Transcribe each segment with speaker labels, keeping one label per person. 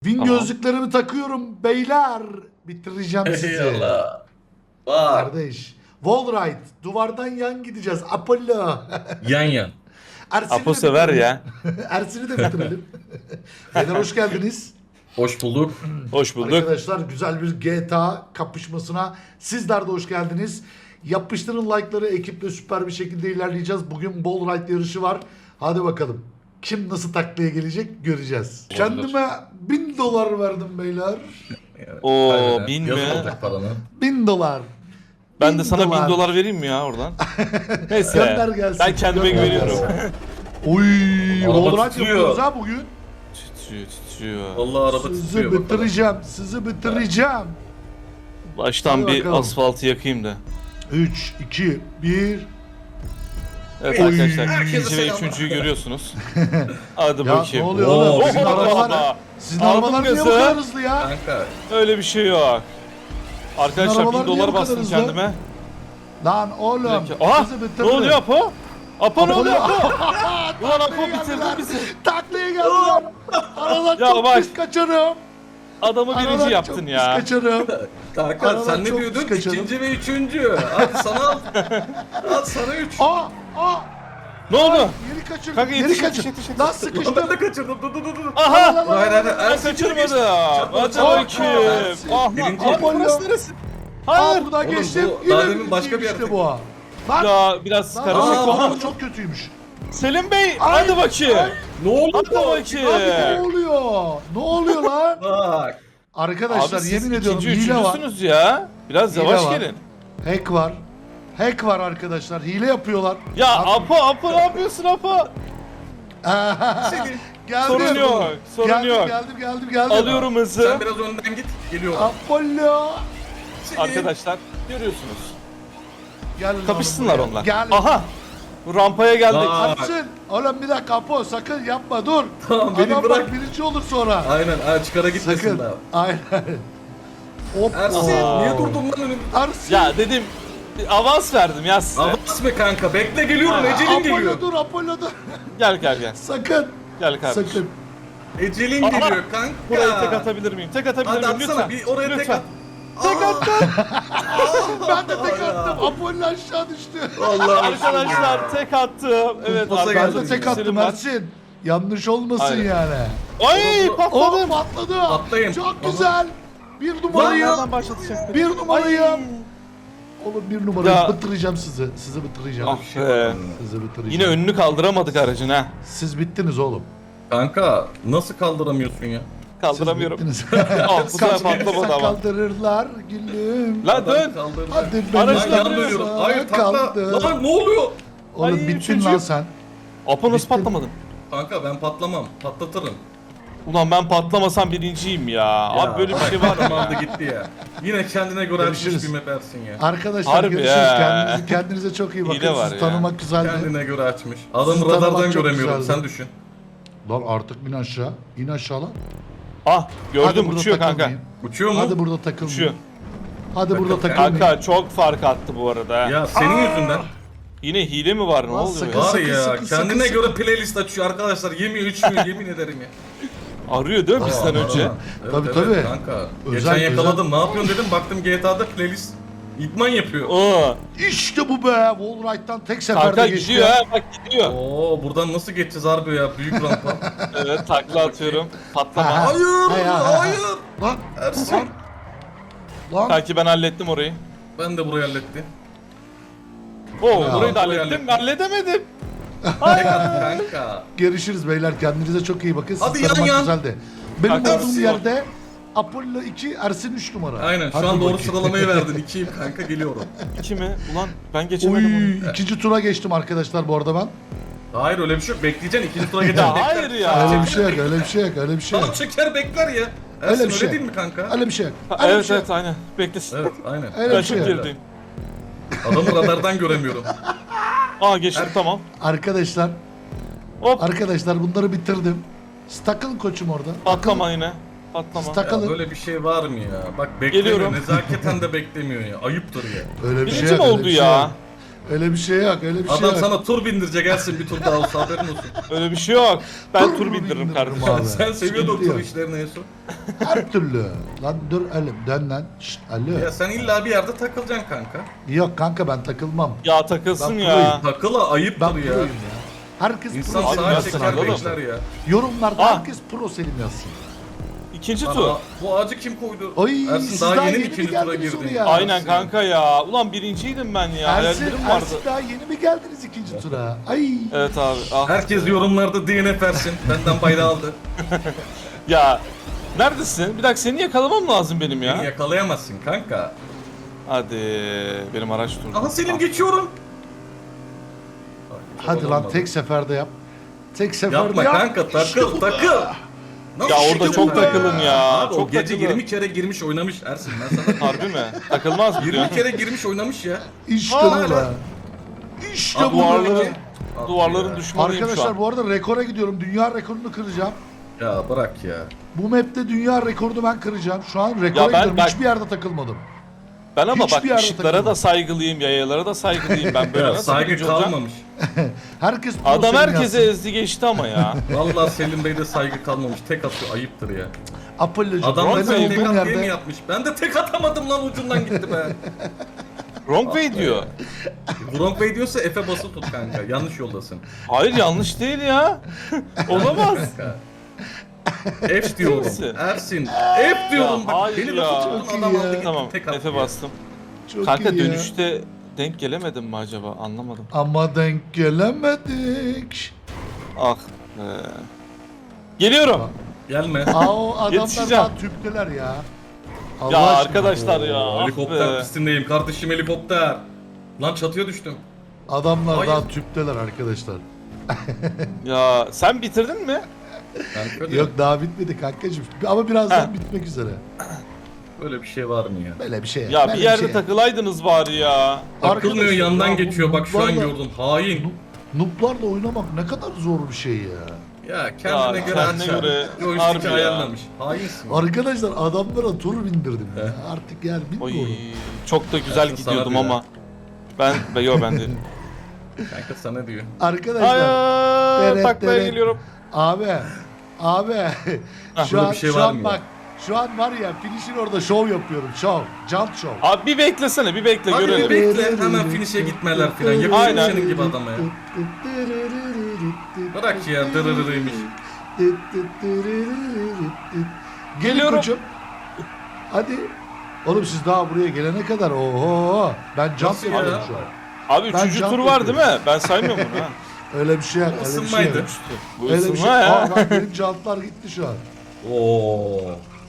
Speaker 1: Win
Speaker 2: Tamam.
Speaker 1: gözlüklerimi takıyorum beyler. Bitireceğim sizi.
Speaker 3: Eyvallah. Bak.
Speaker 1: Kardeş. Wallride. Duvardan yan gideceğiz. Apollo.
Speaker 3: Yan yan.
Speaker 1: Ersin'i
Speaker 2: Apo
Speaker 1: de
Speaker 2: sever
Speaker 1: bitirelim.
Speaker 2: ya.
Speaker 1: Ersin'i de bitirelim. Beyler hoş geldiniz.
Speaker 3: Hoş bulduk.
Speaker 2: Hoş bulduk.
Speaker 1: Arkadaşlar güzel bir GTA kapışmasına sizler de hoş geldiniz. Yapıştırın like'ları, ekiple süper bir şekilde ilerleyeceğiz. Bugün Wallride yarışı var. Hadi bakalım. Kim nasıl taklaya gelecek göreceğiz.
Speaker 2: Olabilir.
Speaker 1: Kendime $1000 verdim beyler.
Speaker 2: Oo,
Speaker 3: Harbiden.
Speaker 2: 1000
Speaker 3: Yazın
Speaker 2: mi?
Speaker 3: aldık paranı.
Speaker 1: $1000.
Speaker 2: Ben de sana
Speaker 1: $1000.
Speaker 2: $1000 vereyim mi ya oradan? Neyse.
Speaker 1: Gönder gelsin.
Speaker 2: Ben kendime
Speaker 1: Gönder
Speaker 2: güveniyorum.
Speaker 1: gelsin. Oy,
Speaker 3: Araba
Speaker 1: Wallride
Speaker 3: titriyor.
Speaker 1: yapıyoruz ha bugün.
Speaker 2: Titriyor.
Speaker 3: Vallahi araba
Speaker 1: Sizi
Speaker 3: titriyor bakalım.
Speaker 1: bitireceğim. Sizi bitireceğim.
Speaker 2: Baştan
Speaker 1: Hadi
Speaker 2: bir
Speaker 1: bakalım.
Speaker 2: asfaltı yakayım da.
Speaker 1: 3, 2, 1.
Speaker 2: Evet
Speaker 1: Oy.
Speaker 2: arkadaşlar
Speaker 3: Herkese
Speaker 2: ikinci ve
Speaker 3: selam.
Speaker 2: üçüncüyü görüyorsunuz. Hadi
Speaker 1: Ya ne
Speaker 2: bakayım.
Speaker 1: oluyor
Speaker 3: Oo,
Speaker 1: oğlum?
Speaker 3: bizim
Speaker 1: Sizin
Speaker 2: Aldım
Speaker 1: arabalar niye bu
Speaker 2: gazı.
Speaker 1: kadar hızlı ya?
Speaker 3: Kanka.
Speaker 2: Öyle bir şey yok. Arkadaşlar
Speaker 1: arabalar niye bu
Speaker 2: $1000
Speaker 1: kadar
Speaker 2: bastım
Speaker 1: hızlı?
Speaker 2: kendime.
Speaker 1: Lan oğlum.
Speaker 2: Aha!
Speaker 1: Sizi
Speaker 2: Ne
Speaker 1: bitirdim.
Speaker 2: oluyor Apo? Apo ne
Speaker 1: Apo
Speaker 2: oluyor
Speaker 1: ne-
Speaker 2: Apo? Ulan Apo
Speaker 1: Taklaya
Speaker 2: bitirdin
Speaker 1: geldiler.
Speaker 2: bizi.
Speaker 1: Taklaya geldiler. Aradan
Speaker 2: Ya
Speaker 1: çok
Speaker 2: bak.
Speaker 1: pis kaçarım.
Speaker 2: Adamı
Speaker 1: Aradan
Speaker 2: birinci
Speaker 1: çok
Speaker 2: yaptın
Speaker 1: pis
Speaker 2: ya.
Speaker 1: kaçarım.
Speaker 3: Kanka
Speaker 1: Aradan
Speaker 3: sen ne
Speaker 1: çok
Speaker 3: diyordun?
Speaker 1: kaçalım.
Speaker 3: İkinci ve üçüncü. Hadi sana al. Al sana üç.
Speaker 1: Aa!
Speaker 2: Ne oldu?
Speaker 1: Yeri kaçırdım.
Speaker 2: Kanka
Speaker 1: Yeri
Speaker 2: yetişin,
Speaker 1: kaçırdım.
Speaker 2: yetişin,
Speaker 1: Lan
Speaker 3: Lan
Speaker 1: sıkıştım.
Speaker 3: ben de kaçırdım. Dur.
Speaker 2: Aha!
Speaker 3: Hayır hayır.
Speaker 2: Ben
Speaker 3: Ersin
Speaker 2: kaçırmadım.
Speaker 3: geçti.
Speaker 2: Hadi
Speaker 3: Çabuk.
Speaker 2: bakayım.
Speaker 1: Ersin.
Speaker 2: Ah,
Speaker 3: Birinci.
Speaker 2: Apo burası neresi?
Speaker 1: Aa
Speaker 2: Hayır.
Speaker 1: buradan
Speaker 3: Oğlum,
Speaker 1: geçtim.
Speaker 3: bu daha demin
Speaker 1: birinciyim
Speaker 3: başka bir yerde.
Speaker 1: işte bu ha. Bak.
Speaker 2: Ya biraz
Speaker 1: Lan,
Speaker 2: karışık
Speaker 3: Aa,
Speaker 2: oldu.
Speaker 1: bu çok kötüymüş.
Speaker 2: Selim Bey
Speaker 1: Ay,
Speaker 2: hadi bakayım.
Speaker 1: ay.
Speaker 3: Ne oldu?
Speaker 2: Hadi
Speaker 1: Abi ne
Speaker 2: bakayım.
Speaker 1: oluyor? Ne oluyor lan?
Speaker 3: Bak.
Speaker 1: Arkadaşlar
Speaker 2: Abi siz
Speaker 1: yemin ediyorum
Speaker 2: ikinci,
Speaker 1: hile var.
Speaker 2: üçüncüsünüz ya. Biraz
Speaker 1: Hile
Speaker 2: yavaş
Speaker 1: var.
Speaker 2: gelin.
Speaker 1: Hack var. Hack var arkadaşlar. Hile yapıyorlar.
Speaker 2: Ya Apo ne yapıyorsun Apo?
Speaker 1: Geldim.
Speaker 2: Sorun yok, sorun
Speaker 1: geldim,
Speaker 2: yok.
Speaker 1: Geldim.
Speaker 2: Alıyorum hızı.
Speaker 3: Sen biraz önden git. Geliyorum.
Speaker 1: Apollo.
Speaker 2: Arkadaşlar görüyorsunuz.
Speaker 1: Gel lan
Speaker 2: Kapışsınlar
Speaker 1: buraya.
Speaker 2: onlar.
Speaker 1: Gel.
Speaker 2: Aha. Bu rampaya geldik.
Speaker 3: Aa.
Speaker 1: Ersin. Oğlum bir dakika Apo sakın yapma dur.
Speaker 3: Tamam, beni
Speaker 1: Adam
Speaker 3: bırak.
Speaker 1: bak birinci olur sonra.
Speaker 3: Aynen. Çıkara gitmesin
Speaker 1: Sakın.
Speaker 3: daha.
Speaker 1: Aynen. Hop.
Speaker 3: Ersin
Speaker 2: Aa.
Speaker 3: niye durdun lan önümde?
Speaker 1: Ersin.
Speaker 2: Ya dedim avans verdim ya size.
Speaker 3: Avans mı kanka? Bekle geliyorum. Ecelin geliyor.
Speaker 1: Apollo dur.
Speaker 2: Gel.
Speaker 1: Sakın.
Speaker 2: Gel kardeşim.
Speaker 1: Sakın.
Speaker 3: Ecelin
Speaker 2: Aha.
Speaker 3: geliyor kanka.
Speaker 2: Burayı tek atabilir miyim? Tek atabilir
Speaker 3: Hadi
Speaker 2: miyim?
Speaker 3: atsana
Speaker 2: Lütfen.
Speaker 3: bir oraya tek
Speaker 2: Lütfen.
Speaker 3: at.
Speaker 2: Tek attım.
Speaker 1: Ben de tek attım. Apollo aşağı düştü.
Speaker 3: Vallahi
Speaker 2: Arkadaşlar tek attım. Evet
Speaker 3: Kumpasa
Speaker 1: Ben
Speaker 2: arkadaşlar.
Speaker 1: de tek attım
Speaker 2: Selim var.
Speaker 1: Ersin. Yanlış olmasın
Speaker 2: Aynen.
Speaker 1: yani.
Speaker 2: Ay
Speaker 1: Oh
Speaker 2: patladım.
Speaker 1: patladı.
Speaker 3: Patlayın.
Speaker 1: Çok
Speaker 3: Aha.
Speaker 1: güzel. Bir
Speaker 2: Lan
Speaker 1: numarayım.
Speaker 2: nereden başlatacaktım?
Speaker 1: Bir numarayım. Oğlum bir numarayım.
Speaker 2: Ya.
Speaker 1: Bitireceğim sizi. Sizi bitireceğim.
Speaker 2: Ah be.
Speaker 1: Sizi bitireceğim.
Speaker 2: Yine önünü kaldıramadık aracın ha.
Speaker 1: Siz bittiniz oğlum.
Speaker 3: Kanka nasıl kaldıramıyorsun ya?
Speaker 2: Kaldıramıyorum.
Speaker 1: Siz bittiniz.
Speaker 2: Al bu sefer patlamadı
Speaker 1: Kalkırsa
Speaker 2: ama.
Speaker 1: kaldırırlar gülüm.
Speaker 2: Lan dön.
Speaker 3: Kaldırdı.
Speaker 1: Hadi
Speaker 3: Lan
Speaker 2: Aracı
Speaker 1: beni
Speaker 3: yan
Speaker 2: kaldırıyorsun.
Speaker 3: dönüyorum. Hayır takla.
Speaker 1: kaldı.
Speaker 3: Lan ne oluyor?
Speaker 1: Oğlum
Speaker 2: Ay,
Speaker 1: bittin
Speaker 2: üçüncü.
Speaker 1: lan sen.
Speaker 2: Apo nasıl
Speaker 1: Bittin.
Speaker 2: patlamadın?
Speaker 3: Kanka ben patlamam. Patlatırım.
Speaker 2: Ulan ben patlamasam birinciyim ya. Abi böyle bir şey var mı
Speaker 3: Aldı
Speaker 2: ya?
Speaker 3: gitti ya. Yine kendine göre açmış
Speaker 1: Görüşürüz.
Speaker 3: bir map Ersin ya.
Speaker 1: Arkadaşlar
Speaker 2: Harbi
Speaker 1: görüşürüz.
Speaker 2: ya.
Speaker 1: Kendinize çok iyi bakın.
Speaker 2: Hile var
Speaker 1: Sizi
Speaker 2: ya.
Speaker 1: tanımak güzeldi.
Speaker 3: Kendine göre açmış.
Speaker 1: Sizi
Speaker 3: Adamı
Speaker 1: tanımak
Speaker 3: radardan
Speaker 1: çok
Speaker 3: göremiyorum.
Speaker 1: güzeldi.
Speaker 3: Sen düşün.
Speaker 1: Lan artık bin aşağı. İn aşağı lan.
Speaker 2: Ah gördüm
Speaker 1: Hadi burada
Speaker 2: uçuyor kanka.
Speaker 1: takılmayın.
Speaker 3: Uçuyor mu?
Speaker 1: Hadi burada takılmayın.
Speaker 2: Uçuyor.
Speaker 1: Hadi burada
Speaker 3: Takıl-
Speaker 1: takılmayın.
Speaker 2: Kanka çok fark attı bu arada. ha.
Speaker 3: Ya senin yüzünden.
Speaker 2: Yine hile mi var ne
Speaker 1: Lan
Speaker 2: oluyor
Speaker 1: sakın.
Speaker 2: ya?
Speaker 3: Var ya
Speaker 1: sakın,
Speaker 3: kendine
Speaker 1: sakın.
Speaker 3: göre playlist açıyor arkadaşlar. Yemiyor içmiyor yemin ederim ya.
Speaker 2: Arıyor değil mi bizden önce?
Speaker 3: Evet,
Speaker 1: Tabii,
Speaker 3: evet,
Speaker 1: tabii.
Speaker 3: Kanka.
Speaker 1: Özel,
Speaker 3: Geçen yakaladım. Ne yapıyorsun dedim. Baktım GTA'da playlist idman yapıyor.
Speaker 2: Oo.
Speaker 1: İşte bu be. Wallride'dan tek seferde
Speaker 2: Kanka
Speaker 1: geçti.
Speaker 2: gidiyor ha bak gidiyor.
Speaker 3: Oo buradan nasıl geçeceğiz harbi ya büyük rampa.
Speaker 2: Evet takla atıyorum. Patlama.
Speaker 1: Ha.
Speaker 3: Hayır
Speaker 1: Hay.
Speaker 3: hayır.
Speaker 1: Lan.
Speaker 3: Ersin.
Speaker 1: Lan.
Speaker 2: Kanki ben hallettim orayı.
Speaker 3: Ben de burayı hallettim.
Speaker 2: Oo
Speaker 1: Ya,
Speaker 2: burayı da
Speaker 3: burayı
Speaker 2: hallettim.
Speaker 3: hallettim.
Speaker 2: Halledemedim.
Speaker 3: Tek at kanka.
Speaker 1: Görüşürüz beyler. Kendinize çok iyi bakın. Sizi
Speaker 3: Hadi yan
Speaker 1: tanımak
Speaker 3: yan.
Speaker 1: güzeldi. Benim
Speaker 2: Kanka,
Speaker 1: olduğum
Speaker 3: Ersin.
Speaker 1: yerde Apollo 2, Ersin 3 numara.
Speaker 3: Aynen şu
Speaker 1: Hadi
Speaker 3: an doğru
Speaker 1: bakayım.
Speaker 3: sıralamayı verdin. 2'yim kanka geliyorum.
Speaker 2: İki mi? Ulan ben geçemedim onu.
Speaker 1: Oy, ikinci tura geçtim arkadaşlar bu arada ben.
Speaker 3: Hayır öyle bir şey yok. Bekleyeceksin ikinci tura geçeceksin.
Speaker 2: Ya
Speaker 3: bekler.
Speaker 2: hayır ya.
Speaker 1: Öyle bir şey yok, öyle bir şey yok, öyle bir şey yok.
Speaker 3: Tamam çeker bekler ya.
Speaker 1: Öyle
Speaker 3: Ersin
Speaker 1: bir
Speaker 3: öyle
Speaker 1: şey.
Speaker 3: değil mi kanka?
Speaker 1: Öyle bir şey yok.
Speaker 2: Ha,
Speaker 1: Öyle bir
Speaker 2: evet
Speaker 1: şey
Speaker 2: evet
Speaker 1: yok.
Speaker 2: aynen. Beklesin.
Speaker 3: Evet aynen.
Speaker 1: Öyle
Speaker 2: Ben
Speaker 1: bir şey
Speaker 2: çok
Speaker 1: yok.
Speaker 2: gerideyim.
Speaker 3: Adamı radardan göremiyorum.
Speaker 2: Aa geçtim tamam.
Speaker 1: Arkadaşlar,
Speaker 2: Hop
Speaker 1: arkadaşlar bunları bitirdim. Takılın koçum orada.
Speaker 2: patlama yine. Patlama.
Speaker 1: Siz
Speaker 3: Ya
Speaker 1: takılın.
Speaker 3: böyle bir şey var mı ya? Bak beklemiyor.
Speaker 2: Geliyorum.
Speaker 3: Nezaketen de beklemiyor ya. Ayıptır ya.
Speaker 1: Öyle bir şey
Speaker 2: Birinci
Speaker 1: yok.
Speaker 2: mi
Speaker 1: öyle
Speaker 2: oldu
Speaker 1: bir şey
Speaker 2: ya?
Speaker 1: yok. Öyle bir şey yok, öyle bir şey
Speaker 3: Adam
Speaker 1: yok.
Speaker 3: sana tur bindirecek Ersin, bir tur daha olsa haberin olsun.
Speaker 2: Öyle bir şey yok. Ben
Speaker 1: Tur
Speaker 2: tur
Speaker 1: mu
Speaker 2: bindiririm
Speaker 1: bindiririm
Speaker 2: kardeşim.
Speaker 1: abi?
Speaker 3: Sen seviyordun o
Speaker 1: Sıkıntı
Speaker 3: tur
Speaker 1: yok.
Speaker 3: işlerini en son.
Speaker 1: Her türlü. Lan dur oğlum, dön lan. Şşt, alo.
Speaker 3: Ya sen illa bir yerde takılacaksın kanka.
Speaker 1: Yok kanka, ben takılmam.
Speaker 2: Ya takılsın
Speaker 1: Ben
Speaker 2: ya.
Speaker 3: Takıla ayıptır
Speaker 1: Ben
Speaker 3: ya.
Speaker 1: proyum ya. Herkes
Speaker 3: İnsan
Speaker 1: pro Selim
Speaker 3: sağa
Speaker 1: yazsın
Speaker 3: çeker
Speaker 1: arkadaşlar.
Speaker 3: bekler ya.
Speaker 1: Yorumlarda
Speaker 2: Ah.
Speaker 1: herkes pro Selim yazsın.
Speaker 2: İkinci
Speaker 3: Aa,
Speaker 2: tur.
Speaker 3: bu ağacı kim koydu?
Speaker 1: Ay,
Speaker 3: Ersin
Speaker 1: siz
Speaker 3: daha yeni mi
Speaker 1: mi
Speaker 3: ikinci tura
Speaker 1: geldiniz
Speaker 3: girdin?
Speaker 1: oraya?
Speaker 2: Aynen kanka ya. Ulan birinciydim ben ya.
Speaker 1: Ersin,
Speaker 2: Hayallerim vardı.
Speaker 1: Ersin daha yeni mi geldiniz ikinci tura? Ay.
Speaker 2: Evet abi. Ah.
Speaker 3: Herkes yorumlarda DNF Ersin. Benden bayrağı aldı.
Speaker 2: Ya. Neredesin? Bir dakika seni yakalamam lazım benim
Speaker 3: Beni
Speaker 2: ya.
Speaker 3: yakalayamazsın kanka.
Speaker 2: Hadi. Benim araç durdu.
Speaker 3: Aha Selim
Speaker 2: Ah.
Speaker 3: geçiyorum.
Speaker 1: Hadi lan, tek seferde yap. Tek seferde
Speaker 3: Yapma
Speaker 1: yap.
Speaker 3: kanka, takıl takıl.
Speaker 2: Ya orada çok
Speaker 3: takıl
Speaker 2: takılın ya.
Speaker 3: Abi o
Speaker 2: Çok
Speaker 3: gece
Speaker 2: takılın.
Speaker 3: 20 kere girmiş oynamış Ersin, ben sana
Speaker 2: Harbi mi? Takılmaz mı
Speaker 3: 20
Speaker 2: diyorsun?
Speaker 3: kere girmiş oynamış ya.
Speaker 1: İşte
Speaker 3: Hala.
Speaker 1: bu be. İşte
Speaker 2: Abi
Speaker 1: bu be.
Speaker 2: duvarların,
Speaker 3: Abi
Speaker 2: duvarların
Speaker 3: ya.
Speaker 2: düşmanıyım şu
Speaker 1: Arkadaşlar
Speaker 2: an.
Speaker 1: bu arada rekora gidiyorum. Dünya rekorunu kıracağım.
Speaker 3: Ya bırak ya.
Speaker 1: Bu map'te dünya rekorunu ben kıracağım. Şu an rekora
Speaker 2: Ya ben-
Speaker 1: gidiyorum.
Speaker 2: bak-
Speaker 1: Hiçbir yerde takılmadım.
Speaker 2: Ben ama
Speaker 1: hiçbir
Speaker 2: bak
Speaker 1: yerde
Speaker 2: ışıklara
Speaker 1: takılmam.
Speaker 2: da saygılıyım, yayalara da saygılıyım. Ben böyle
Speaker 3: Ya
Speaker 2: nasıl
Speaker 3: saygı
Speaker 2: birinci olacağım?
Speaker 3: kalmamış.
Speaker 1: Herkes pro
Speaker 2: Adam
Speaker 1: Selim
Speaker 2: herkese
Speaker 1: yazsın.
Speaker 2: ezdi geçti ama ya.
Speaker 3: Vallahi Selim Bey'de saygı kalmamış. Tek atıyor, ayıptır ya.
Speaker 1: Apollo'cum.
Speaker 3: Adam
Speaker 2: Bronx
Speaker 3: da
Speaker 1: benim
Speaker 3: tek
Speaker 1: olduğum
Speaker 3: at diye mi
Speaker 1: yerde.
Speaker 3: yapmış? Ben de tek atamadım lan, ucundan gitti be.
Speaker 2: Wrong way diyor.
Speaker 3: Wrong Bey diyorsa F'e basılı tut kanka. Yanlış yoldasın.
Speaker 2: Hayır yanlış değil ya. Olamaz.
Speaker 3: Kanka. F diyorum.
Speaker 2: Neyse.
Speaker 3: Ersin. F diyorum.
Speaker 2: Ya
Speaker 3: Bak
Speaker 2: hayır
Speaker 3: beni
Speaker 2: ya.
Speaker 3: lafı
Speaker 1: Çok
Speaker 3: tuttun,
Speaker 1: iyi
Speaker 3: adam
Speaker 1: ya.
Speaker 3: aldı gitti
Speaker 2: Tamam
Speaker 3: tek attı
Speaker 2: Efe
Speaker 3: ya.
Speaker 2: bastım.
Speaker 1: Çok
Speaker 2: Kanka
Speaker 1: iyi ya.
Speaker 2: dönüşte denk gelemedim mi acaba anlamadım.
Speaker 1: Ama denk gelemedik.
Speaker 2: Ah be. Geliyorum.
Speaker 3: Gelme.
Speaker 1: Aa, o adamlar
Speaker 2: Yetişeceğim.
Speaker 1: daha tüpteler ya. Allah
Speaker 2: Ya
Speaker 1: aşkına.
Speaker 2: arkadaşlar ya.
Speaker 3: Oo,
Speaker 2: Ah
Speaker 3: helikopter
Speaker 2: be.
Speaker 3: pistindeyim kardeşim, helikopter. Lan çatıya düştüm.
Speaker 1: Adamlar
Speaker 3: Hayır.
Speaker 1: daha tüpteler arkadaşlar.
Speaker 2: Ya sen bitirdin mi?
Speaker 3: Kanka
Speaker 1: Yok daha bitmedi kankacığım. Ama birazdan
Speaker 2: Heh.
Speaker 1: bitmek üzere.
Speaker 3: böyle bir şey var mı ya?
Speaker 1: Böyle bir şey.
Speaker 2: Ya
Speaker 1: böyle
Speaker 2: bir yerde
Speaker 1: şey.
Speaker 2: takılaydınız bari ya.
Speaker 3: Takılmıyor,
Speaker 1: Arkadaşlar
Speaker 3: yandan
Speaker 1: ya, bu
Speaker 3: geçiyor, bak şu an
Speaker 1: nooblarla-
Speaker 3: gördüm. Hain.
Speaker 1: Nooblarla oynamak ne kadar zor bir şey ya.
Speaker 3: Ya kendine
Speaker 2: Ya,
Speaker 3: göre
Speaker 2: kendine
Speaker 3: açar.
Speaker 2: göre harbi
Speaker 3: Joystick'i
Speaker 2: ya.
Speaker 3: ayarlamış. Hainsin.
Speaker 1: Arkadaşlar adamlara tur bindirdim ya. Artık yani
Speaker 2: Oy
Speaker 1: bilmiyorum.
Speaker 2: çok da güzel
Speaker 3: Ersin sana
Speaker 2: gidiyordum
Speaker 3: diyor.
Speaker 2: ama. Yok ben değilim.
Speaker 3: Kanka sana diyor.
Speaker 1: Arkadaşlar
Speaker 2: Hayır
Speaker 1: Deret,
Speaker 2: taklaya
Speaker 1: deret.
Speaker 2: geliyorum.
Speaker 1: abi şu
Speaker 3: böyle
Speaker 1: an
Speaker 3: bir şey
Speaker 1: şu
Speaker 3: var
Speaker 1: an
Speaker 3: mı
Speaker 1: bak şu an var ya finish'in orada şov yapıyorum. Şov. Jump show.
Speaker 2: Abi bir beklesene bir bekle
Speaker 3: Hadi bir
Speaker 2: görelim.
Speaker 3: bekle, hemen finish'e gitmeler filan. Yakışıyor
Speaker 2: Aynen.
Speaker 3: senin gibi adama ya. Bırak ya, dırırırıymış.
Speaker 1: Gelin
Speaker 2: Geliyorum.
Speaker 1: koçum. Hadi. Oğlum siz daha buraya gelene kadar oho. Ben jump
Speaker 3: Nasıl ya?
Speaker 1: yapıyorum şu an.
Speaker 2: Abi
Speaker 1: Ben
Speaker 2: üçüncü
Speaker 1: jump
Speaker 2: tur var değil
Speaker 1: yapıyorum.
Speaker 2: mi? Ben saymıyorum bunu ha.
Speaker 1: Öyle bir şey yok. Öyle bir şey
Speaker 3: Isınmaydı.
Speaker 1: yok.
Speaker 2: Bu
Speaker 1: Öyle bir şey.
Speaker 2: ısınma ya.
Speaker 1: Aa, bak benim jantlar gitti şu an.
Speaker 3: Oo.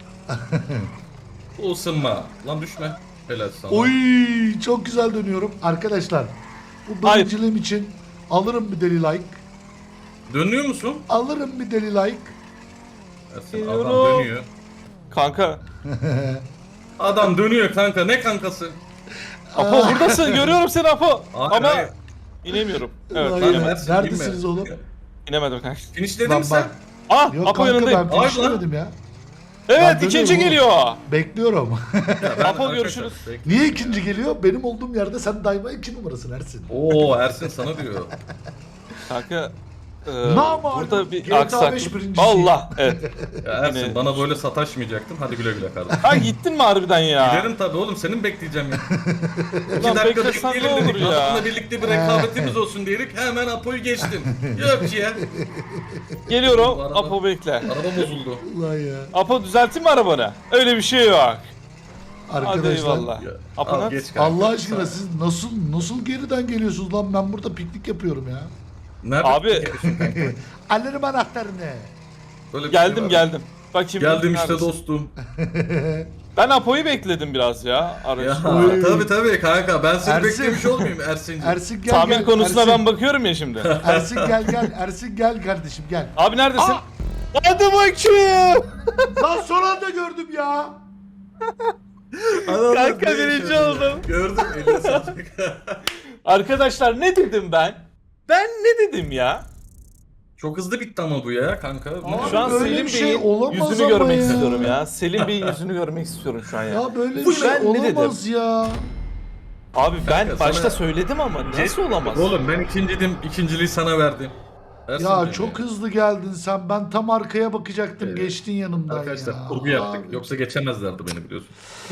Speaker 3: Bu ısınma. Lan düşme. Helal sana.
Speaker 1: Oy çok güzel dönüyorum. Arkadaşlar bu
Speaker 2: Hayır.
Speaker 1: birinciliğim için alırım bir deli like.
Speaker 3: Dönüyor musun?
Speaker 1: Alırım bir deli like.
Speaker 3: Ersin, adam
Speaker 2: Geliyorum.
Speaker 3: dönüyor.
Speaker 2: Kanka.
Speaker 3: Adam dönüyor kanka. Ne kankası?
Speaker 2: Apo buradasın görüyorum seni Apo.
Speaker 3: Hayır,
Speaker 2: Ama
Speaker 3: hayır.
Speaker 2: inemiyorum. Evet
Speaker 1: Hayır.
Speaker 2: inemedim.
Speaker 3: Ersin,
Speaker 1: Neredesiniz
Speaker 3: inme.
Speaker 1: oğlum?
Speaker 2: İnemedim kanka.
Speaker 3: Finishledin
Speaker 1: Lan
Speaker 3: mi sen?
Speaker 1: bak.
Speaker 2: Ah
Speaker 1: Yok
Speaker 2: Apo
Speaker 1: kanka
Speaker 2: yanındayım.
Speaker 1: ben
Speaker 3: Hayır
Speaker 1: finishlemedim ya.
Speaker 2: Evet
Speaker 1: Ben
Speaker 2: ikinci
Speaker 1: dönüyorum
Speaker 2: geliyor.
Speaker 1: Bekliyorum.
Speaker 3: Ya ben
Speaker 2: Apo
Speaker 3: arkadaşlar,
Speaker 2: görüşürüz.
Speaker 3: bekle.
Speaker 1: Niye ikinci geliyor? Benim olduğum yerde sen daima 2 numarasın Ersin.
Speaker 3: Oo Ersin sana diyor.
Speaker 2: Kanka.
Speaker 1: Namalum,
Speaker 2: Burada bir
Speaker 1: GTA 5
Speaker 2: aksaklık.
Speaker 1: birincisi.
Speaker 2: Allah evet.
Speaker 3: Ya Ersin
Speaker 2: Yine-
Speaker 3: bana böyle sataşmayacaktın. Hadi güle güle kardeşim.
Speaker 2: Ha gittin mi harbiden ya?
Speaker 3: Giderim tabii oğlum, senin bekleyeceğim ya. İki
Speaker 2: Ulan
Speaker 3: dakika
Speaker 2: beklesen ne
Speaker 3: bekleyelim
Speaker 2: olur
Speaker 3: dedik.
Speaker 2: ya?
Speaker 3: Adamla birlikte bir rekabetimiz olsun dedik. Hemen Apo'yu geçtim. Yok ya.
Speaker 2: Geliyorum.
Speaker 3: Bu araba-
Speaker 2: Apo bekle.
Speaker 3: Araba bozuldu.
Speaker 1: Ulan ya.
Speaker 2: Apo düzelttin mi arabanı? Öyle bir şey yok. Hadi
Speaker 1: Arkadaşlar.
Speaker 2: eyvallah.
Speaker 3: Ya,
Speaker 2: Apo
Speaker 3: al,
Speaker 2: nerede?
Speaker 3: geç kanka.
Speaker 1: Allah aşkına
Speaker 3: Sağ-
Speaker 1: siz nasıl geriden geliyorsunuz lan? Ben burada piknik yapıyorum ya.
Speaker 3: Nerede
Speaker 2: Abi-
Speaker 3: gidiyorsun kanka?
Speaker 1: Alırım anahtarını.
Speaker 3: Böyle bir şey
Speaker 2: Geldim
Speaker 3: var.
Speaker 2: geldim. Bakayım.
Speaker 3: Geldim işte
Speaker 2: neredesin?
Speaker 3: dostum.
Speaker 2: Ben Apo'yu bekledim biraz ya.
Speaker 3: Ya
Speaker 2: Aracı.
Speaker 1: Oy.
Speaker 3: tabii kanka, ben seni
Speaker 1: Ersin.
Speaker 3: beklemiş olmayayım Ersin'cim.
Speaker 1: Ersin gel
Speaker 2: Tamir
Speaker 1: gel.
Speaker 2: konusuna
Speaker 1: Ersin,
Speaker 2: ben bakıyorum ya şimdi.
Speaker 1: Ersin gel. Ersin gel kardeşim gel.
Speaker 2: Abi neredesin?
Speaker 1: Aa!
Speaker 2: Hadi bakayım.
Speaker 1: Lan son anda gördüm ya.
Speaker 3: Adamlar
Speaker 2: Kanka
Speaker 3: ne
Speaker 2: birinci
Speaker 3: yaşadı ya?
Speaker 2: oldum.
Speaker 3: Gördüm, eline sağlık.
Speaker 2: Arkadaşlar ne dedim ben? Ben ne dedim ya?
Speaker 3: Çok hızlı bitti ama bu ya kanka.
Speaker 1: Abi
Speaker 2: Şu an
Speaker 1: böyle
Speaker 2: Selim
Speaker 1: bir şey
Speaker 2: Bey'in
Speaker 1: olamaz
Speaker 2: yüzünü
Speaker 1: ama
Speaker 2: görmek
Speaker 1: ya.
Speaker 2: istiyorum ya. Selim Bey'in yüzünü görmek istiyorum şu an ya.
Speaker 1: Ya böyle bir
Speaker 2: Bu
Speaker 1: şey
Speaker 2: ben ne dedim?
Speaker 1: olamaz ya.
Speaker 2: Abi ben
Speaker 3: Kanka,
Speaker 2: başta
Speaker 3: sana-
Speaker 2: söyledim ama nasıl olamaz?
Speaker 3: Oğlum ben ikinciydim. İkinciliği sana verdim. Versin
Speaker 1: Ya
Speaker 3: diye
Speaker 1: çok hızlı geldin sen. Ben tam arkaya bakacaktım.
Speaker 3: Evet.
Speaker 1: Geçtin yanımdan
Speaker 3: Arkadaşlar
Speaker 1: ya.
Speaker 3: kurgu yaptık.
Speaker 1: Abi.
Speaker 3: Yoksa geçemezlerdi beni biliyorsun.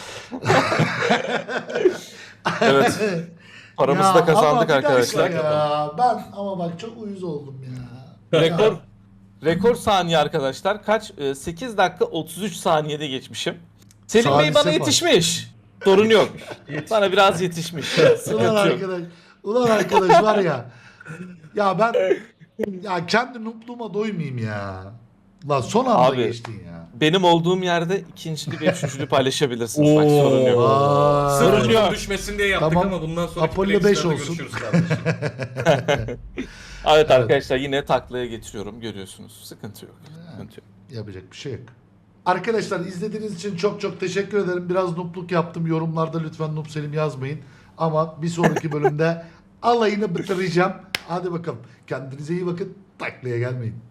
Speaker 2: Evet. Paramızı
Speaker 1: Ya
Speaker 2: da
Speaker 1: ama
Speaker 2: kazandık
Speaker 1: bir dakika
Speaker 2: arkadaşlar.
Speaker 1: Ya. Ben ama bak çok uyuz oldum ya.
Speaker 2: Rekor
Speaker 1: Ya.
Speaker 2: rekor saniye arkadaşlar. Kaç? 8 dakika 33 saniyede geçmişim. Selim Bey
Speaker 1: Salise
Speaker 2: bana
Speaker 1: bak.
Speaker 2: yetişmiş. Sorun yok. Bana biraz yetişmiş.
Speaker 1: Ulan
Speaker 2: Sıkıntı yok.
Speaker 1: arkadaş. Ulan arkadaş var ya. Ya ben ya kendi nupluğuma doymayayım ya. Lan son anda
Speaker 2: Abi.
Speaker 1: geçtin ya.
Speaker 2: Benim olduğum yerde ikincili ve üçüncülü paylaşabilirsiniz. Bak sorun yok.
Speaker 1: Vay.
Speaker 2: Sorun
Speaker 3: Sırf
Speaker 2: yok.
Speaker 3: düşmesin diye yaptık
Speaker 1: Tamam.
Speaker 3: ama bundan sonra
Speaker 1: Apollo 5 olsun.
Speaker 3: görüşürüz kardeşim.
Speaker 2: Evet arkadaşlar yine taklaya getiriyorum. Görüyorsunuz. Sıkıntı yok. Sıkıntı yok.
Speaker 1: Yapacak bir şey yok. Arkadaşlar izlediğiniz için çok çok teşekkür ederim. Biraz nupluk yaptım. Yorumlarda lütfen Nup Selim yazmayın. Ama bir sonraki bölümde alayını bitireceğim. Hadi bakalım. Kendinize iyi bakın. Taklaya gelmeyin.